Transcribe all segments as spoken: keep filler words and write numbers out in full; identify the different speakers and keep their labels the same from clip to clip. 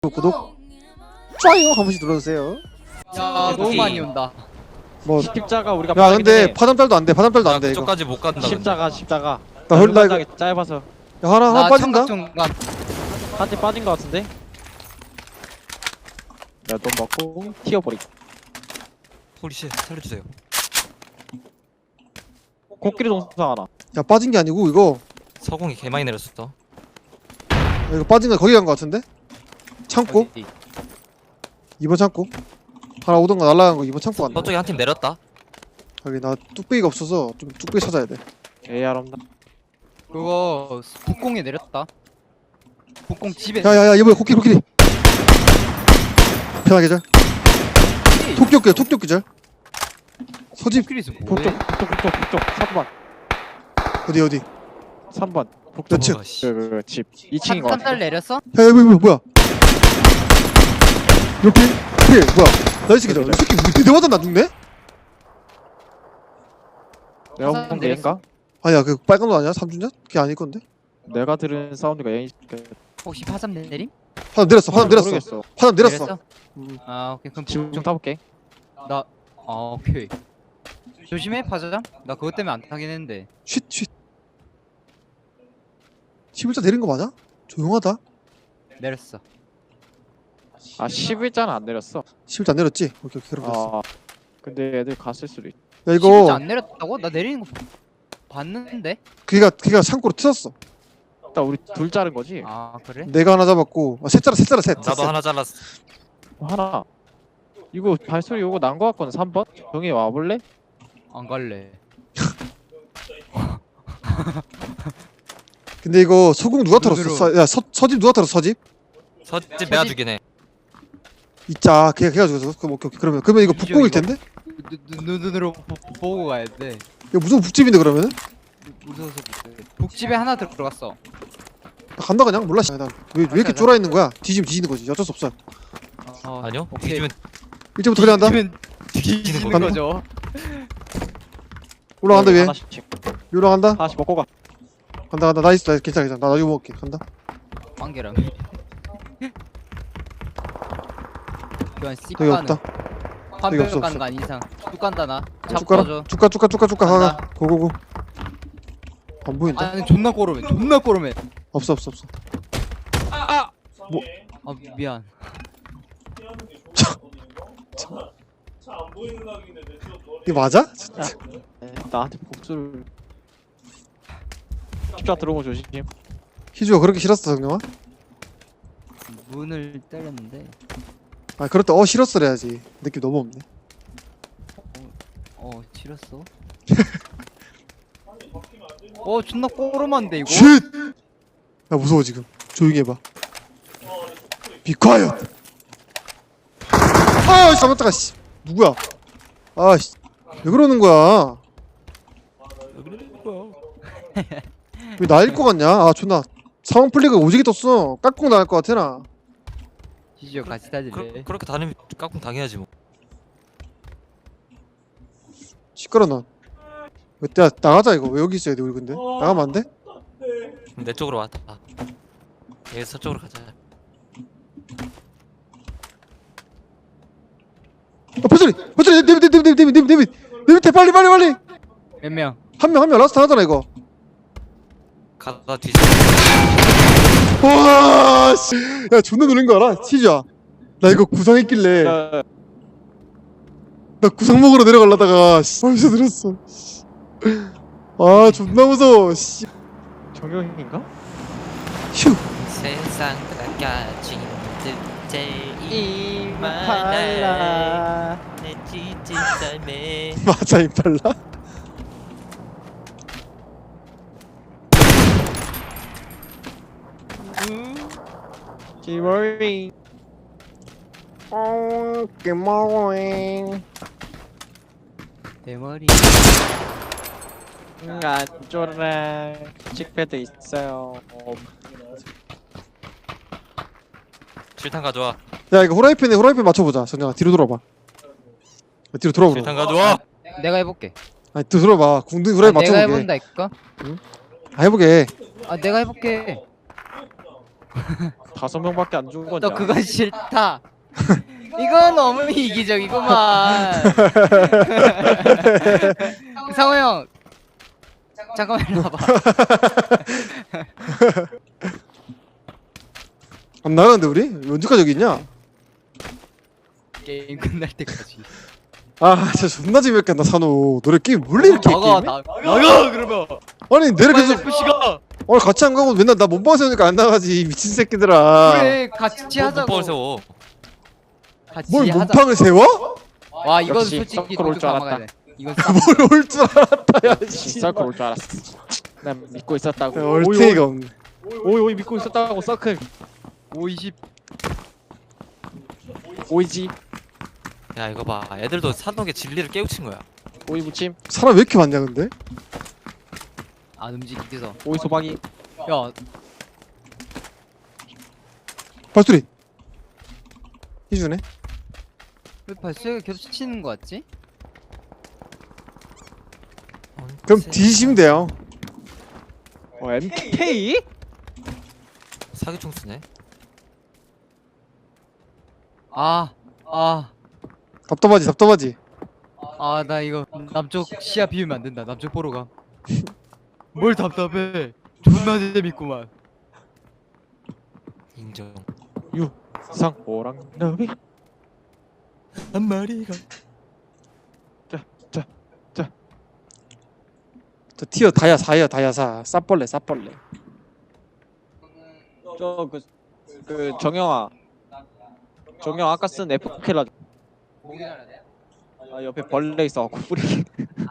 Speaker 1: 구독 구독 좋아요 한 번씩 눌러주세요.
Speaker 2: 야 너무 많이 온다.
Speaker 1: 뭐
Speaker 3: 십자가 우리가
Speaker 1: 야 근데 파담달도 안돼 파담달도
Speaker 4: 나
Speaker 1: 안돼 이거.
Speaker 4: 그쪽까지 못 간다. 근데.
Speaker 3: 십자가 십자가
Speaker 1: 나 헐- 나 이거-
Speaker 3: 짧아서
Speaker 1: 야 하나 하나
Speaker 2: 나
Speaker 1: 빠진다.
Speaker 2: 청각중간.
Speaker 3: 한 대 빠진 거 같은데? 야돈 먹고 튀어버리고
Speaker 4: 홀리씨 살려주세요.
Speaker 3: 코끼리 동상 하나
Speaker 1: 야 빠진 게 아니고 이거
Speaker 4: 서공이 개 많이 내렸어.
Speaker 1: 야, 이거 빠진 거 거기 간 거 같은데? 창고
Speaker 2: 어디?
Speaker 1: 이번 창고 하나 오던 거 날라간 거 이번 창고 갔네.
Speaker 4: 저쪽에 한 팀 내렸다.
Speaker 1: 여기 나 뚝배기가 없어서 좀 뚝배기 찾아야 돼.
Speaker 3: 에이알 없나?
Speaker 2: 그거 북공에 내렸다. 북공 집에.
Speaker 1: 야야야 이번에 코끼리 코끼리 편하게 잘 톡격기야 톡격기절 서집
Speaker 2: 북끼리서
Speaker 3: 북쪽
Speaker 2: 뭐해?
Speaker 3: 북쪽 북쪽 북쪽 삼 번
Speaker 1: 어디 어디
Speaker 3: 삼 번
Speaker 1: 몇 층?
Speaker 4: 어, 씨.
Speaker 3: 그집 이 층인 거
Speaker 2: 삼 달
Speaker 3: 같은데?
Speaker 2: 내렸어?
Speaker 1: 야 이거 뭐야 뭐야 이렇게 이게 뭐야 나이 새끼 저이 새끼 우리 대대 맞아 나 죽네?
Speaker 3: 내가
Speaker 2: 삼
Speaker 3: 본 게 A인가?
Speaker 1: 아니야 그 빨간 거 아니야? 삼주냐? 그게 아닐 건데?
Speaker 3: 내가 들은 사운드가 A
Speaker 2: 혹시 파삼 내림?
Speaker 1: 화담 내렸어 화담 내렸어
Speaker 3: 모르겠어
Speaker 1: 화담 내렸어. 음.
Speaker 2: 아 오케이 그럼
Speaker 3: 지금 좀 타볼게
Speaker 2: 나. 아 오케이. 조심해 파자장. 나 그것 때문에 안 타긴 했는데.
Speaker 1: 쉿쉿 십일자 내린 거 맞아? 조용하다.
Speaker 2: 내렸어.
Speaker 3: 아 십일자는 안 내렸어
Speaker 1: 십일자 안 내렸지? 오케이 오케이 그럼 됐어.
Speaker 3: 아 근데 애들 갔을 수도 있
Speaker 1: 야
Speaker 2: 이거
Speaker 1: 이거
Speaker 2: 안 내렸다고? 나 내리는 거 봤는데.
Speaker 1: 걔가 걔가 창고로 튀었어.
Speaker 3: 일단 우리 둘 자른 거지?
Speaker 2: 아 그래?
Speaker 1: 내가 하나 잡았고 아, 셋 자라 셋 자라 셋.
Speaker 4: 나도
Speaker 1: 셋.
Speaker 4: 하나 잘랐어.
Speaker 3: 하나 이거 발소리 오고 난 거 같거든 삼 번? 정희 와볼래?
Speaker 2: 안 갈래.
Speaker 1: 근데 이거 소금 누가 털었어?
Speaker 2: 눈으로.
Speaker 1: 서, 야 서, 서집 누가 털었어 서집?
Speaker 4: 서집 내가
Speaker 2: 서집.
Speaker 4: 주긴 해.
Speaker 1: 있자 걔가 걔가 죽었어. 그럼 오케이 오케이 그러면 그러면 이거
Speaker 2: 이죠,
Speaker 1: 북공일
Speaker 2: 이거.
Speaker 1: 텐데?
Speaker 2: 눈, 눈, 눈으로 보, 보고 가야 돼.
Speaker 1: 이거 무슨 북집인데 그러면은?
Speaker 2: 무서워서 못해. 북집에 하나 들어갔어.
Speaker 1: 나 간다 그냥 몰라. 씨. 난왜 왜 이렇게
Speaker 2: 가자.
Speaker 1: 쫄아 있는 거야? 뒤지면 뒤지는 거지. 어쩔 수 없어.
Speaker 2: 어,
Speaker 4: 아니요?
Speaker 2: 오케이.
Speaker 4: 뒤지면
Speaker 1: 이제부터 그냥 한다.
Speaker 2: 뒤지면
Speaker 4: 뒤지는
Speaker 2: 뒤지는
Speaker 4: 거야.
Speaker 2: 거죠.
Speaker 1: 올라간다 위에.
Speaker 3: 하나씩
Speaker 1: 올라간다.
Speaker 3: 하나씩 먹고 가
Speaker 1: 간다 간다. 나이스 나이스 괜찮아 괜찮아. 나 이거 먹을게. 간다.
Speaker 2: 빵개랑. 그건 씨
Speaker 1: 여기
Speaker 2: 가는.
Speaker 1: 없다.
Speaker 2: 한
Speaker 1: 여기
Speaker 2: 명
Speaker 1: 없어,
Speaker 2: 가는 거 아닌 이상. 쭉 간다 나. 잡
Speaker 1: 쭈까라
Speaker 2: 꺼줘.
Speaker 1: 쭈까 쭈까 쭈까 쭈까 가가.
Speaker 2: 간다.
Speaker 1: 고고고. 안 보인다.
Speaker 2: 아니 존나 꼬르면 존나 꼬르면.
Speaker 1: 없어 없어 없어.
Speaker 2: 아 미안.
Speaker 1: 이게 맞아?
Speaker 3: 네, 나한테 복수를 십자 들어오고 조심
Speaker 1: 희주가 그렇게 싫었어 정영아?
Speaker 2: 문을 때렸는데.
Speaker 1: 아 그럴 때 어 싫었어래야지. 느낌 너무 없네.
Speaker 2: 어 지렸어. 어 존나 꼬르만데 이거.
Speaker 1: 쉿! 야 무서워 지금. 조용히 해봐. Be quiet. 아 잠깐만 씨. 누구야? 아씨 왜 그러는 거야? 왜 나일 거 같냐? 아 존나 상황 플리가 오지게 떴어. 깍꿍 나갈 거 같아 나.
Speaker 2: 지지어 같이 다질래.
Speaker 4: 그, 그렇게 다니면 깍꿍 당해야지 뭐.
Speaker 1: 시끄러 넌. 왜 때 나가자 이거. 왜 여기 있어야 돼 우리 근데? 나가면 안 돼?
Speaker 4: 그럼 내 쪽으로 와. 아. 얘 서쪽으로 가자.
Speaker 1: 아 포철이 포철이 네밑네밑네밑네밑네밑 내 밑에 빨리 빨리 빨리.
Speaker 2: 몇 명?
Speaker 1: 한 명 한 명 라스트 하잖아 이거.
Speaker 4: 가다 뒤지.
Speaker 1: 와 씨. 야 존나 놀린 거 알아? 치즈야. 나 이거 구상했길래
Speaker 3: 야,
Speaker 1: 나 구상 먹으러 내려가려다가 씨 벌써 들었어. 아 존나 무서워. 씨.
Speaker 3: 정영인가?
Speaker 1: 휴.
Speaker 4: 세상 가진 듯 제일
Speaker 2: 이팔라.
Speaker 4: 내 지친 삶에
Speaker 1: 맞아 임팔라.
Speaker 3: 기머링
Speaker 1: 어 개마고잉.
Speaker 2: 대머리.
Speaker 3: 안 쫄아 칙패드 있어요
Speaker 4: 실탄 가져와.
Speaker 1: 야 이거 후라이팬에 후라이팬 맞춰보자. 정영아 뒤로 돌아봐. 야, 뒤로 돌아보라.
Speaker 4: 실탄 가져와.
Speaker 2: 내가 해볼게.
Speaker 1: 아니 뒤로 돌아봐. 궁둥이 후라이팬
Speaker 2: 아, 내가
Speaker 1: 맞춰보게.
Speaker 2: 해본다니까.
Speaker 1: 아 해보게.
Speaker 2: 아 내가 해볼게.
Speaker 3: 다섯 명밖에 안 죽은 거냐?
Speaker 2: 너 그건 싫다. 이건 너무 이기적이구만. 상호 형 잠깐만 일로 와봐.
Speaker 1: 안 나가는데 우리? 언제까지 여기 있냐?
Speaker 2: 게임 끝날 때까지.
Speaker 1: 아 진짜 존나 재미없겠다 산호. 너네 게임 원래 이렇게 해,
Speaker 2: 나가
Speaker 1: 게임이?
Speaker 2: 나, 나가 그러면.
Speaker 1: 아니 내가 계속
Speaker 2: 시가.
Speaker 1: 오늘 같이 안 가고 맨날 나 몸빵 세우니까 안 나가지 이 미친 새끼들아.
Speaker 2: 그래 같이 하자고.
Speaker 4: 뭘 세워?
Speaker 2: 같이
Speaker 1: 뭘
Speaker 2: 하자.
Speaker 1: 몸빵을 세워?
Speaker 2: 와 이건
Speaker 3: 역시
Speaker 2: 솔직히
Speaker 3: 서클 올줄
Speaker 2: 도쿄
Speaker 3: 알았다.
Speaker 2: 감아가야 돼. 이건 싹.
Speaker 1: 뭘 올 줄 알았다 야 씨.
Speaker 3: 서클 올줄 알았어. 난 믿고 있었다고.
Speaker 1: 얼테이가 없네.
Speaker 3: 오이 오이 믿고 있었다고 서클.
Speaker 2: 오이십.
Speaker 3: 오이지.
Speaker 4: 야 이거 봐. 애들도 산옥의 진리를 깨우친 거야.
Speaker 3: 오이 무침.
Speaker 1: 사람 왜 이렇게 많냐 근데?
Speaker 2: 안 움직여서.
Speaker 3: 오이 소박이.
Speaker 2: 야
Speaker 1: 발소리. 희주네.
Speaker 2: 왜 발소리가 겹치는 거 같지?
Speaker 1: 그럼 뒤지시면 돼요.
Speaker 3: 어 엠케이?
Speaker 4: 사기 총수네.
Speaker 2: 아, 아,
Speaker 1: 답답하지 답답하지.
Speaker 2: 아, 나 이거 남쪽 시야 비우면 안 된다. 남쪽 보러 가. 뭘 답답해? 존나 재밌구만.
Speaker 4: 인정.
Speaker 3: 상 오랑 너비.
Speaker 4: 한 마리가.
Speaker 1: 저 티어 다야 사야 다야 사. 싸벌레 싸벌레.
Speaker 3: 저그 그 정영아. 정영 아까 쓴 에프케라. 아 옆에 벌레 있어갖고 뿌리.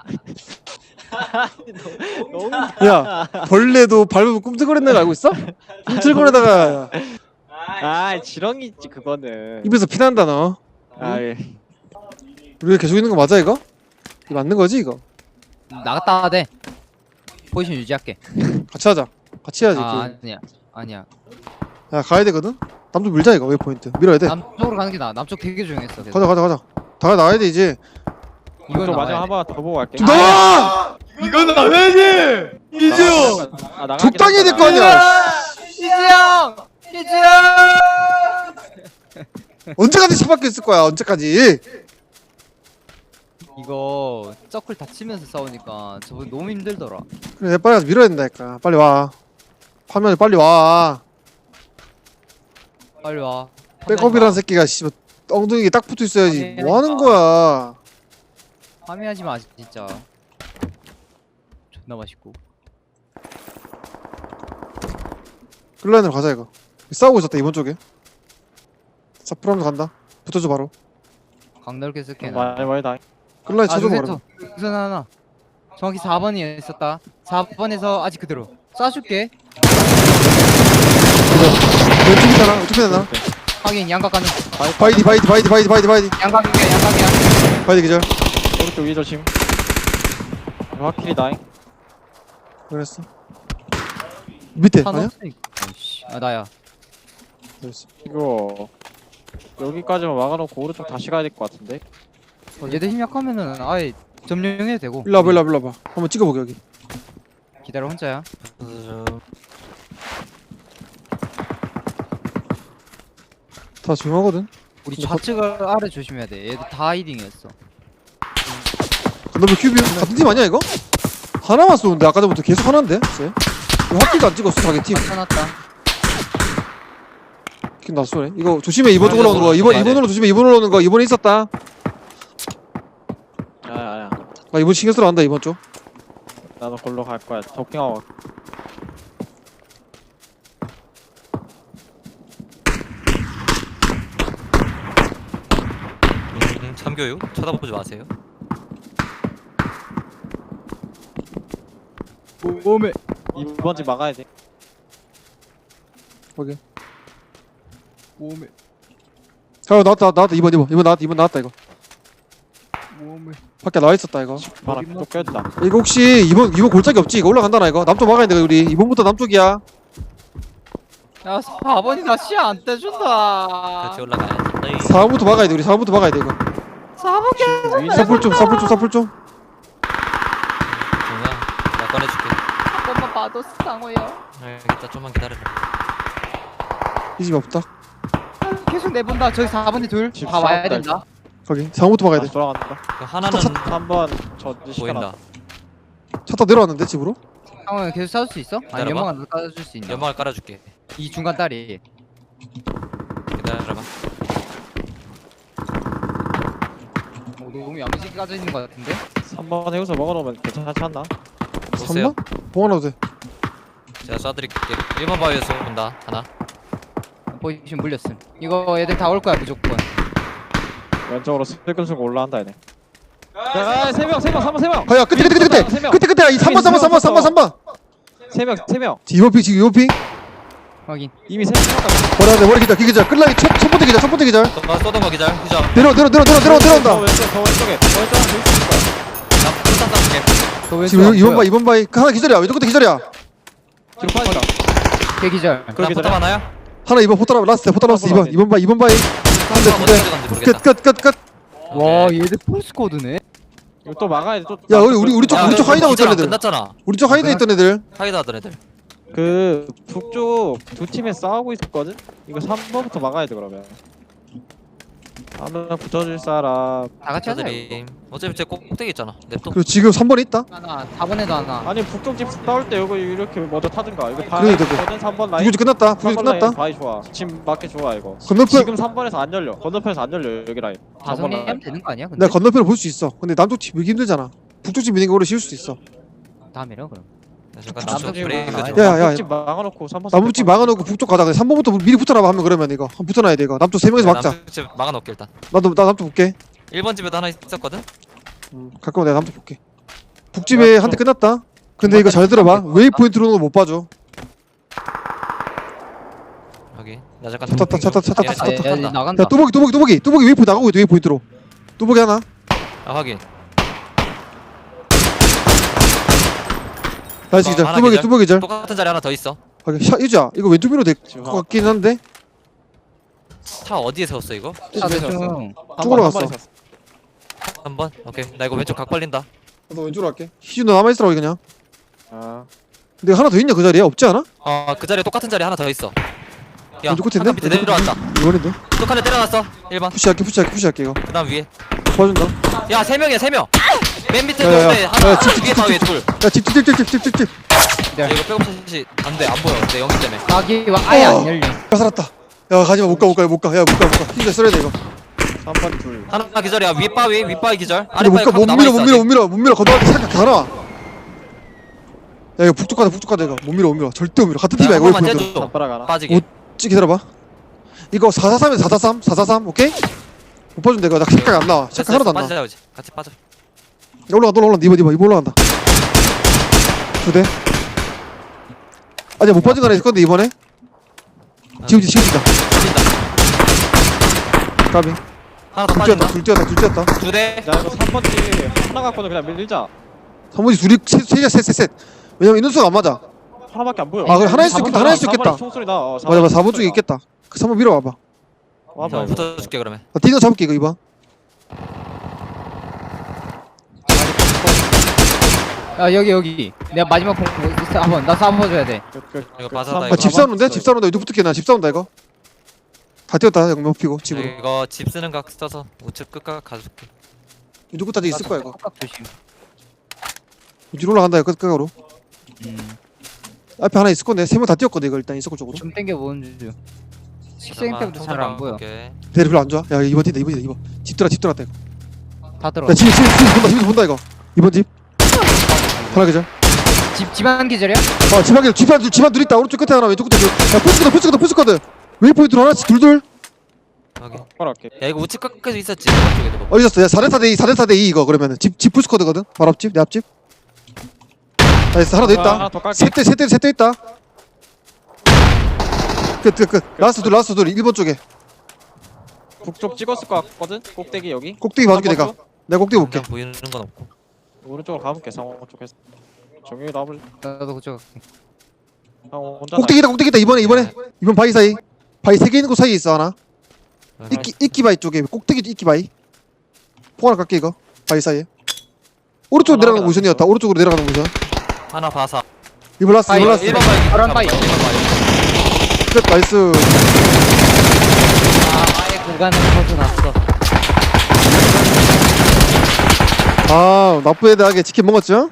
Speaker 3: 너무
Speaker 1: 야 벌레도 밟으면 꿈틀거리는 거 알고 있어? 꿈틀거리다가
Speaker 3: 아 지렁이 있지 그거는.
Speaker 1: 입에서 피난다 너.
Speaker 3: 아 예.
Speaker 1: 우리가 계속 있는 거 맞아 이거? 이거 맞는 거지 이거?
Speaker 2: 나갔다 와야 돼. 포지션 유지할게.
Speaker 1: 같이 하자. 같이 해야지.
Speaker 2: 아,
Speaker 1: 그.
Speaker 2: 아니야, 아니야.
Speaker 1: 야 가야 되거든. 남쪽 밀자 이거 웨이포인트 밀어야 돼.
Speaker 2: 남쪽으로 가는 게 나아. 남쪽 되게 조용했어. 그래서.
Speaker 1: 가자 가자 가자. 다 나와야 돼 이제.
Speaker 2: 이건
Speaker 3: 저 마지막
Speaker 2: 나와야
Speaker 3: 한 번 더 보고 갈게.
Speaker 1: 좀 나와!
Speaker 2: 이건 나와야지.
Speaker 3: 이지요. 아, 나가긴
Speaker 1: 적당히 해야 될 거
Speaker 3: 하잖아.
Speaker 1: 아니야.
Speaker 2: 이지영, 이지영.
Speaker 1: 언제까지 차박혀 있을 거야 언제까지?
Speaker 2: 이거 서클 다치면서 싸우니까 저분 너무 힘들더라.
Speaker 1: 그래 빨리 가서 밀어야 된다니까. 빨리 와. 화면에 빨리 와.
Speaker 2: 빨리 와.
Speaker 1: 백업이라는 새끼가 씨발 엉덩이에 딱 붙어 있어야지. 뭐 하는 거야?
Speaker 2: 화면하지 마 진짜. 존나 맛있고.
Speaker 1: 끌라인으로 가자 이거. 싸우고 있었다 이번 쪽에. 사프람도 간다. 붙어줘 바로.
Speaker 2: 강넓게 쓸게.
Speaker 3: 많이 많이 다.
Speaker 1: 끌라인
Speaker 2: 아,
Speaker 1: 쳐줘
Speaker 2: 저
Speaker 1: 바로.
Speaker 2: 우선 하나. 정확히 사 번이 있었다. 사 번에서 아직 그대로. 쏴줄게.
Speaker 1: 왼쪽이잖아. 어떻게 되나?
Speaker 2: 확인 양각 가는.
Speaker 1: 바이디 바이디 바이디 바이디 바이디 바이디
Speaker 2: 양각이야 양각이야.
Speaker 1: 바이디 기절.
Speaker 3: 오른쪽 위 조심. 확실히 다잉.
Speaker 1: 그랬어. 밑에
Speaker 2: 탄
Speaker 1: 아니야?
Speaker 2: 없으니까. 아이씨. 아 나야.
Speaker 1: 그랬어.
Speaker 3: 이거 여기까지만 막아놓고 오른쪽 다시 가야 될 것 같은데.
Speaker 2: 얘들 힘 약하면은 아예 점령해도 되고.
Speaker 1: 일로 와봐 일로 와봐 일로 와봐. 한번 찍어보게 여기.
Speaker 2: 기다려 혼자야.
Speaker 1: 다 조용하거든.
Speaker 2: 우리 좌측을 아래 조심해야 돼. 얘들 다 하이딩이었어.
Speaker 1: 너왜 큐비 같은 팀 아니야 이거? 하나만 쏘는데 아까 전부터 계속 하나인데? 쟤? 이거 확기도 안 찍었어 자기 팀.
Speaker 2: 쳐놨다.
Speaker 1: 킹 나 쏘네. 이거 조심해 이번 쪽으로 오는 거. 이번
Speaker 4: 네.
Speaker 1: 이번으로 조심해 이번으로 오는 거. 이번에 있었다.
Speaker 3: 아야.
Speaker 1: 나 이번 신경 쓰러 간다 이번 쪽.
Speaker 3: 나도 골로 갈 거야. 도킹하고.
Speaker 4: 음, 참교육 쳐다보지 마세요.
Speaker 2: 몸에.
Speaker 3: 이번 집 막아야 돼.
Speaker 1: 오케이.
Speaker 2: 몸에.
Speaker 1: 자 나왔다 나왔다 이번 이번 이번 나왔다 이번 나왔다 이거.
Speaker 2: 몸에.
Speaker 1: 밖에 나와 있었다 이거.
Speaker 3: 바람 또 껴준다.
Speaker 1: 이거 혹시 이번 이번 골짜기 없지? 이거 올라간다 나 이거. 남쪽 막아야 돼 우리. 이번부터 남쪽이야.
Speaker 2: 야 사 번이 나 시야 안 떼준다.
Speaker 4: 같이 올라가야지.
Speaker 1: 사 번부터 막아야 돼 우리. 사 번부터 막아야 돼 이거.
Speaker 2: 사 번 개.
Speaker 1: 사풀 좀 사풀 좀 사풀 좀.
Speaker 4: 정우야, 나 꺼내줄게.
Speaker 2: 한 번만 봐도 상호야.
Speaker 4: 알겠다, 좀만 기다려라.
Speaker 1: 이 집 없다.
Speaker 2: 계속 내본다. 저기 사 번에 둘.
Speaker 3: 집
Speaker 2: 다 와야
Speaker 3: 싸웠다,
Speaker 2: 된다.
Speaker 1: 거기 상부터 막아야 돼.
Speaker 3: 다시 돌아간다.
Speaker 4: 그 하나는
Speaker 3: 삼 번 전지 시켜놔.
Speaker 4: 보인다.
Speaker 1: 차 타 내려왔는데 집으로?
Speaker 2: 상황 계속 싸울 수 있어? 아니
Speaker 4: 기다려봐.
Speaker 2: 연막안 따줄 수 있나?
Speaker 4: 연막을 깔아줄게.
Speaker 2: 이 중간 다리.
Speaker 4: 기다려봐.
Speaker 2: 어, 너무 야무지게 까져 있는 것 같은데?
Speaker 3: 삼 번 해우서 먹어놓으면 괜찮지 않나?
Speaker 4: 보세요.
Speaker 1: 삼 번? 봉하나도 돼.
Speaker 4: 제가 쏴드릴게. 일 번 바위에서 온다. 하나.
Speaker 2: 포지션 물렸음. 이거 애들 다 올 거야 무조건.
Speaker 3: 왼쪽으로 슬금 슬금 올라간다 얘네. 야, 세 명, 세 명, 삼 번, 세 명.
Speaker 1: 아야 끝에 끝에 끝에
Speaker 3: 세 명.
Speaker 1: 끝에 끝에 이 삼 번 삼 번 삼 번 삼 번 삼 번.
Speaker 3: 세 명, 세 명.
Speaker 1: 이번 핑 지금 이번 핑.
Speaker 2: 확인.
Speaker 3: 이미 세 명.
Speaker 1: 머리 안돼 머리 기자 기자 끌라기 첫, 첫 번째 기자 첫 번째 기자.
Speaker 4: 또 쏘던 거 기절. 기절.
Speaker 1: 내려 내려 내려 내려 내려
Speaker 3: 더
Speaker 1: 내려온다.
Speaker 3: 왼쪽, 더 왼쪽에. 더 왼쪽에 줄 수 있을
Speaker 4: 나 풀탄 쏴줄게.
Speaker 2: 저 왼쪽
Speaker 1: 지금
Speaker 2: 안
Speaker 1: 이번
Speaker 2: 보여.
Speaker 1: 바이 이번 바이 하나 기절이야 왼쪽 끝에 기절이야.
Speaker 3: 거야. 뒤로 빠진다.
Speaker 2: 대기절.
Speaker 3: 그렇게
Speaker 4: 나 포탑 하나야?
Speaker 1: 하나 이번 포탈 라스트 포탈 라스트 이번 이번 바이 이번 바이. 한대
Speaker 4: 어디
Speaker 1: 두대
Speaker 4: 들어갔는지 모르겠다.
Speaker 1: 끝 끝 끝 끝.
Speaker 2: 와 얘들 폴스코드네.
Speaker 3: 이거 또 막아야 돼. 또.
Speaker 1: 야 우리 우리 우리 쪽
Speaker 4: 야,
Speaker 1: 우리 쪽
Speaker 4: 그거
Speaker 1: 하이드하고
Speaker 4: 기절
Speaker 1: 있던
Speaker 4: 안
Speaker 1: 애들.
Speaker 4: 끝났잖아.
Speaker 1: 우리 쪽 하이드 있던 애들.
Speaker 4: 하이드 하던 애들.
Speaker 3: 그 북쪽 두 팀에 싸우고 있었거든. 이거 삼 번부터 막아야 돼 그러면. 하나 붙여줄 사람.
Speaker 2: 다 같이 하자. 이거.
Speaker 4: 저들이 어차피 제 꼭대기 있잖아. 냅둬.
Speaker 1: 그리고 지금 삼 번에 있다.
Speaker 2: 하나 사 번에도 하나.
Speaker 3: 아니 북쪽 집 싸울 때 이거 이렇게 먼저 타든가. 이거 다.
Speaker 1: 그래도 되고.
Speaker 3: 거든 삼 번 라인.
Speaker 1: 부규지 끝났다. 부규지
Speaker 3: 삼 번 라인
Speaker 1: 끝났다.
Speaker 3: 바이 좋아. 지금 맞게 좋아 이거.
Speaker 1: 건너편
Speaker 3: 지금 삼 번에서 안 열려. 건너편에서 안 열려 여기 라인.
Speaker 2: 다
Speaker 3: 삼 번 라인.
Speaker 2: 정리하면 되는 거 아니야? 근데
Speaker 1: 내가 건너편을 볼 수 있어. 근데 남쪽 팀 밀기 힘들잖아. 북쪽 팀 미는 게 오래 쉬울 수도 있어.
Speaker 2: 다음에로 그럼.
Speaker 4: 잠깐
Speaker 2: 남쪽
Speaker 4: 남쪽
Speaker 2: 집으로
Speaker 4: 브레이크
Speaker 2: 나와야
Speaker 4: 좀.
Speaker 2: 돼.
Speaker 1: 야, 야,
Speaker 3: 남북집 막아놓고 삼 번.
Speaker 1: 남북집 막아놓고 북쪽 가자. 근데 삼 번부터 미리 붙어라 하면 그러면 이거 한번 붙어놔야 돼 이거. 남쪽 세 명이서 막자.
Speaker 4: 남쪽 집 막아놓을게 일단.
Speaker 1: 나도 나 남쪽 볼게.
Speaker 4: 일 번 집에도 하나 있었거든.
Speaker 1: 음, 가까워 내가 남쪽 볼게. 북집에 한 대 끝났다. 근데 이거 잘 들어봐. 웨이 포인트로는 못 봐줘.
Speaker 4: 여기. 나 잠깐.
Speaker 1: 차 탔다, 차 탔다, 차 탔다,
Speaker 4: 얘네
Speaker 1: 차
Speaker 2: 아,
Speaker 1: 탔다.
Speaker 2: 얘, 얘
Speaker 4: 탔다.
Speaker 2: 나간다.
Speaker 1: 야 뚜벅이 뚜벅이 뚜벅이 뚜벅이 웨이 포인트 나가고 있다 웨이 포인트로. 뚜벅이 하나.
Speaker 4: 아 확인.
Speaker 1: 나이스
Speaker 4: 어,
Speaker 1: 기절.
Speaker 4: 하나
Speaker 1: 뚜벅이
Speaker 4: 기절.
Speaker 1: 뚜벅이 기절.
Speaker 4: 똑같은 자리 하나 더 있어.
Speaker 1: 아, 샤 이자 이거 왼쪽 미로 될것
Speaker 3: 지금
Speaker 1: 같긴 한데.
Speaker 4: 차 어디에 세웠어 이거?
Speaker 2: 차 대충.
Speaker 1: 쪽으로 갔어.
Speaker 4: 한 번. 오케이. 나 이거 왼쪽 각 벌린다.
Speaker 1: 너 왼쪽으로 갈게. 희준 너 남아 있으라고 그냥.
Speaker 3: 아.
Speaker 1: 근데 하나 더 있냐 그 자리에 없지 않아?
Speaker 4: 어 그 자리에 똑같은 자리 하나 더 있어. 야,
Speaker 1: 왼쪽 끝에
Speaker 4: 한칸
Speaker 1: 있네?
Speaker 4: 밑에 내려왔다.
Speaker 1: 이번인데.
Speaker 4: 똑같은 데 내려놨어. 일 번.
Speaker 1: 푸시할게 푸시할게 푸시할게 이거.
Speaker 4: 그다음 위에.
Speaker 1: 도와준다.
Speaker 4: 야, 세 명이야, 세 명. 맨 밑에
Speaker 1: 야, 야,
Speaker 4: 둘에
Speaker 1: 야.
Speaker 4: 하나,
Speaker 1: 야, 집, 집,
Speaker 4: 위에
Speaker 1: 집,
Speaker 4: 바위에
Speaker 1: 집,
Speaker 4: 둘.
Speaker 1: 야집집집집집집집
Speaker 4: 야, 이거 백업샷이 안 돼, 안 보여. 내 영기 때문에.
Speaker 2: 가기 와 아예
Speaker 1: 어.
Speaker 2: 안 열려.
Speaker 1: 야 살았다. 야 가지마 못 가 못 가 못 가. 야 못 가 못 가. 힘내 써야 돼 이거.
Speaker 3: 삼 번 둘.
Speaker 4: 하나 기절이야. 위에 바위, 윗 바위 기절.
Speaker 1: 근데
Speaker 4: 아래
Speaker 1: 못
Speaker 4: 바위
Speaker 1: 가
Speaker 4: 갖고
Speaker 1: 못
Speaker 4: 남아
Speaker 1: 밀어
Speaker 4: 있어.
Speaker 1: 못 밀어 못 밀어 못 밀어 건너갈 때 살짝 다 나와. 야 이거 북쪽 가자 북쪽 가자 이거 못 밀어 못 밀어 절대 못 밀어 같은 팀이야
Speaker 4: 야,
Speaker 1: 이거
Speaker 4: 한 번만
Speaker 1: 웨이포인트.
Speaker 4: 째줘.
Speaker 3: 잡바라 가나?
Speaker 4: 빠지게.
Speaker 1: 오. 찍 기다려봐. 이거 사사삼에서 사사삼 사사삼 오케이? 못 봐준다 이거 나 색깔 안 나와. 색깔 하나도 안 나와.
Speaker 4: 빠지자, 이제. 같이 빠져.
Speaker 1: 야, 올라간다 올라간다 이번 이번 이번 올라간다. 두 대. 아니야 못 빠진 거 하나 있을 건데 이번에. 지금 지금이다.
Speaker 4: 빠진다.
Speaker 1: 까비.
Speaker 4: 하나 더
Speaker 1: 둘 뛰었다
Speaker 4: 빠진다.
Speaker 1: 둘 뛰었다 둘 뛰었다.
Speaker 4: 두 대.
Speaker 3: 야 이거 삼 번지 하나 갖고는 그냥 밀자.
Speaker 1: 사무지 둘이 셋셋셋셋. 왜냐면 인원수가 안 맞아.
Speaker 3: 하나밖에 안 보여.
Speaker 1: 아, 그래, 하나일 수
Speaker 3: 사 번
Speaker 1: 있겠다, 하나일 수
Speaker 3: 사 번에
Speaker 1: 있겠다.
Speaker 3: 총소리 나. 어,
Speaker 1: 맞아 맞아 사 번
Speaker 3: 총소리
Speaker 1: 쪽에
Speaker 3: 나.
Speaker 1: 있겠다. 그 삼 번 밀어와봐.
Speaker 3: 와봐
Speaker 4: 자,
Speaker 3: 이거.
Speaker 4: 붙어줄게 그러면.
Speaker 1: 나 디너 잡을게 이거 이번.
Speaker 2: 야 여기 여기. 내가 마지막 공 한번 나 사 번 줘야 돼.
Speaker 3: 끝, 끝,
Speaker 4: 이거
Speaker 3: 끝.
Speaker 4: 빠져다,
Speaker 3: 삼
Speaker 4: 이거.
Speaker 1: 아, 집
Speaker 3: 번
Speaker 1: 싸우는데?
Speaker 3: 있어.
Speaker 1: 집 싸우는데 이쪽 붙을게 나집 싸운다 이거. 다 뛰었다 영명 피고 집으로.
Speaker 4: 이거 집 쓰는 각 써서 우측 끝각 가줄게.
Speaker 1: 이쪽 끝까지 있을 거야 이거.
Speaker 2: 깍 조심.
Speaker 1: 뒤로 올라간다 이거 끝각으로.
Speaker 2: 음.
Speaker 1: 앞에 하나 있을 건데 세 명 다 뛰었거든 이거 일단 있을 쪽으로.
Speaker 2: 좀 땡겨 보는 중. 식생 때부터 잘 안 보여.
Speaker 4: 오케이.
Speaker 1: 대리 별로 안 좋아. 야 이번 팀다 이번 팀다 이번. 집 들어 집 들어갔다 이거.
Speaker 2: 다 들어.
Speaker 1: 야 집에 집에 집에서 본다 집에서 본다 이거. 이번 집. 하나 계절.
Speaker 2: 집 집안 기절이야?
Speaker 1: 아 집안에 집안 둘 집안 둘 있다. 오른쪽 끝에 하나 왼쪽 끝에 둘. 야 푸시거든 푸시거든 푸시거든. 웨이포인트로 하나씩 둘둘.
Speaker 4: 오케이.
Speaker 3: 바랄게.
Speaker 4: 야, 이거 우측 끝까지 있었지. 이쪽에도 뭐.
Speaker 1: 어디 있었어? 야 사 대 사 대 이 사 대 사 대 이 이거 그러면은 집집 푸시거든거든. 바로 앞집 내 앞집. 나이스 하나 더
Speaker 3: 하나
Speaker 1: 있다.
Speaker 3: 더 깔게.
Speaker 1: 셋대셋대셋대 있다. 끝 끝 끝. 라스트 둘 라스트 둘 일 번 쪽에.
Speaker 3: 북쪽 찍었을 것 같거든. 꼭대기 여기.
Speaker 1: 꼭대기 봐줄게 내가.
Speaker 3: 삼 번
Speaker 1: 내가 꼭대기 볼게.
Speaker 4: 그냥 보이는 건 없고.
Speaker 3: 쪽? 오른쪽으로 가볼게. 상호 쪽에서. 정윤이 나물.
Speaker 2: 나도 그쪽 갈게.
Speaker 3: 상호 혼자.
Speaker 1: 꼭대기다 꼭대기다 이번에 이번에 이번 바위 사이. 바위 세 개 있는 곳 사이에 있어 하나. 이끼 이끼 바위 쪽에 꼭대기 이끼 바위. 포 하나 깎게 이거. 바위 사이에. 오른쪽으로
Speaker 3: 하나
Speaker 1: 내려가는
Speaker 3: 하나
Speaker 1: 모션이었다.
Speaker 3: 있어.
Speaker 1: 오른쪽으로 내려가는 모션.
Speaker 4: 하나 봐서.
Speaker 1: 이번 라스트
Speaker 2: 바위,
Speaker 1: 이번 라스트.
Speaker 4: 일 번 바위.
Speaker 2: 파란 바위.
Speaker 4: 일 번 바위.
Speaker 1: 끝 나이스.
Speaker 2: 구간을 벗어났어.
Speaker 1: 아 나쁘게하게 치킨 먹었죠?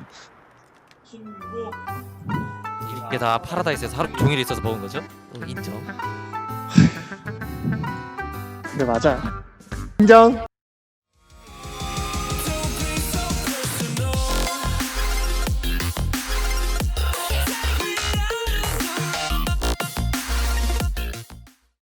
Speaker 4: 이게 다 파라다이스에서 하루 종일 있어서 먹은 거죠? 응, 인정.
Speaker 3: 그래 맞아.
Speaker 1: 인정.